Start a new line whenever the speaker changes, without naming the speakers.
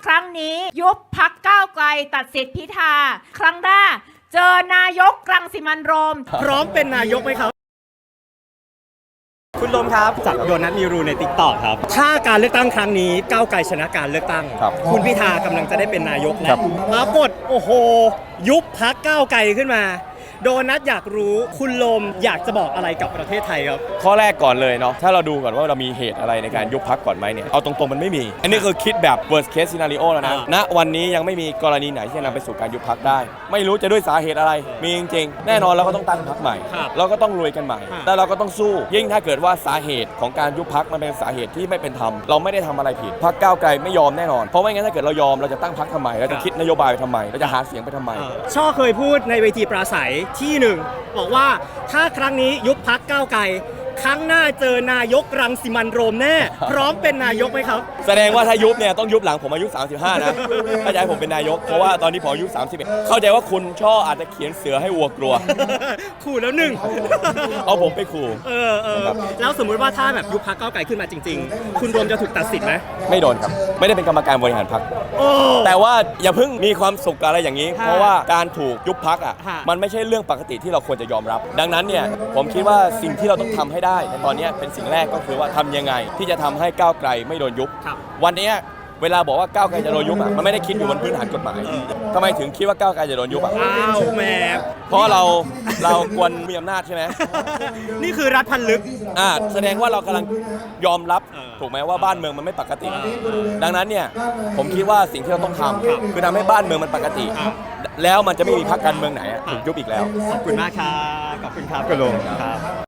ครั้งนี้ยุบพรรคก้าวไกลตัดสิทธิพิธาครั้งหน้าเจอนายกรังสิมันต์โรม
พร้อมเป็นนายกไหมครับคุณลมครับจากโดนัทมีรูในติ๊กต็อกครับถ้าการเลือกตั้งครั้งนี้ก้าวไกลชนะการเลือกตั้งคุณพิธากำลังจะได้เป็นนายกแล้วปรากฏโอ้โหยุบพรรคก้าวไกลขึ้นมาโดนัทอยากรู้คุณลมอยากจะบอกอะไรกับประเทศไทยครับ
ข้อแรกก่อนเลยเนาะถ้าเราดูก่อนว่าเรามีเหตุอะไรในการยุบพรรคก่อนไหมเนี่ยเอาตรงๆมันไม่มีอันนี้คือคิดแบบ worst case scenario แล้วนะณวันนี้ยังไม่มีกรณีไหนที่จะนำไปสู่การยุบพรรคได้ไม่รู้จะด้วยสาเหตุอะไรมีจริงๆแน่นอนเราก็ต้องตั้งพรรคใหม่เราก็ต้องรวยกันใหม่แต่เราก็ต้องสู้ยิ่งถ้าเกิดว่าสาเหตุของการยุบพรรคมันเป็นสาเหตุที่ไม่เป็นธรรมเราไม่ได้ทำอะไรผิดพรรคก้าวไกลไม่ยอมแน่นอนเพราะไม่งั้นถ้าเกิดเรายอมเราจะตั้งพรรคทำไมเราจะคิดนโยบายไปทำไมเราจะหาเสียงไปทำไม
ช่อเคยพูดในเวทีปราศัยที่หนึ่งบอกว่าถ้าครั้งนี้ยุบพรรคก้าวไกลครั้งหน้าเจอนายกรังสิมันต์โรมแน่พร้อมเป็นนายกไหมครับ
แสดงว่าถ้ายุบเนี่ยต้องยุบหลังผมอายุ35นะถ้าจะให้ผมเป็นนายกเพราะว่าตอนนี้ผมอายุ31เข้าใจว่าคุณช่ออาจจะเขียนเสือให้วัวกลัว
ขู่แล้วหนึ่ง
เอาผมไปขู่
แล้วสมมุติว่าถ้าแบบยุบพรรคก้าวไกลขึ้นมาจริงๆคุณโรมจะถูกตัดสิทธิ์ไหม
ไม่โดนครับไม่ได้เป็นกรรมการบริหารพรรคแต่ว่าอย่าเพิ่งมีความสุขอะไรอย่างนี้เพราะว่าการถูกยุบพรรคมันไม่ใช่เรื่องปกติที่เราควรจะยอมรับดังนั้นเนี่ยผมคิดว่าสิ่งที่เราต้องทำให้ได้ในตอนนี้เป็นสิ่งแรกก็คือว่าทำยังไงที่จะทำให้ก้าวไกลไม่โดนยุบวันนี้เวลาบอกว่าก้าวไกลจะโดนยุบมันไม่ได้คิดอยู่บนพื้นฐานกฎหมายทำไมถึงคิดว่าก้าวไกลจะโดนยุบ
อ้าวแหม
เพราะเราควรมีอำนาจใช่ไหม
นี่คือรัฐพันลึก
แสดงว่าเรากำลังยอมรับถูกไหมว่าบ้านเมืองมันไม่ปกติดังนั้นเนี่ยผมคิดว่าสิ่งที่เราต้องทำคือทำให้บ้านเมืองมันปกติแล้วมันจะไม่มีพรรคการเมืองไหนถูกยุบอีกแล้ว
ขอบคุณมากครับขอบคุณครับคุณลุงครับ